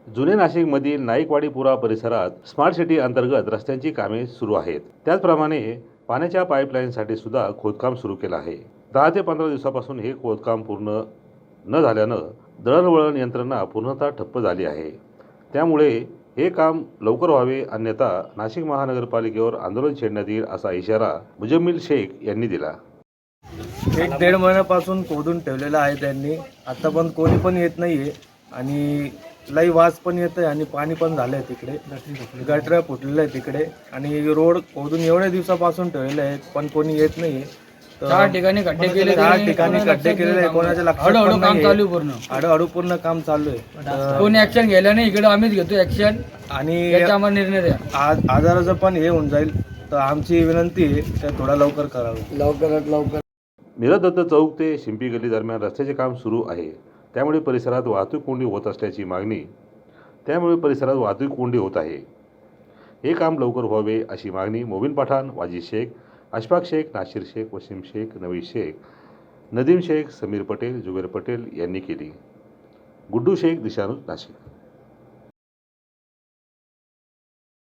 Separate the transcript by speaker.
Speaker 1: जुने नाशिकमधील नाईकवाडीपुरा परिसरात स्मार्ट सिटी अंतर्गत रस्त्यांची कामे सुरू आहेत. त्याचप्रमाणे पाण्याच्या पाईपलाईनसाठी सुद्धा खोदकाम सुरू केलं आहे. 10 ते 15 दिवसापासून हे खोदकाम पूर्ण न झाल्यानं दळणवळण यंत्रणा पूर्णतः ठप्प झाली आहे. त्यामुळे हे काम लवकर व्हावे, अन्यथा नाशिक महानगरपालिकेवर आंदोलन छेडण्यात येईल असा इशारा मुजम्मिल शेख यांनी दिला.
Speaker 2: 1-1.5 महिन्यापासून खोदून ठेवलेलं आहे त्यांनी. आता पण कोणी पण येत नाहीये आणि लई वास पण येत आहे आणि पाणी पण झालं आहे तिकडे. गटर फुटलेलं आहे तिकडे आणि रोड खोदून एवढ्या दिवसापासून ठेवलेले आहेत पण कोणी येत नाहीये.
Speaker 3: 4 ठिकाणी खड्डे केले,
Speaker 2: 4 ठिकाणी खड्डे केलेले आहे. कोणाच्या लक्षात पण
Speaker 3: काम
Speaker 2: नाही.
Speaker 3: चालू पूर्ण
Speaker 2: हळूहळू पूर्ण काम चालू आहे.
Speaker 3: कोणी ऍक्शन घ्यायला नाही. इकडे आम्हीच घेतो ऍक्शन
Speaker 2: आणि
Speaker 3: याचा आम्हाला निर्णय द्या.
Speaker 2: आजाराचं पण हे होऊन जाईल. तर आमची विनंती आहे ते थोडा लवकर करावं.
Speaker 3: लवकरात लवकर.
Speaker 1: मीरा दत्त चौक ते शिंपी गल्ली दरम्यान रस्त्याचे काम सुरू आहे. त्यामुळे परिसरात वाहतूक कोंडी होत आहे. हे काम लवकर व्हावे अशी मागणी मोबिन पठाण, वाजिद शेख, अशफाक शेख, नाशिर शेख, वसीम शेख, नवीद शेख, नदीम शेख, समीर पटेल, जुबेर पटेल यांनी केली. गुड्डू शेख, दिशानुज, नाशिक.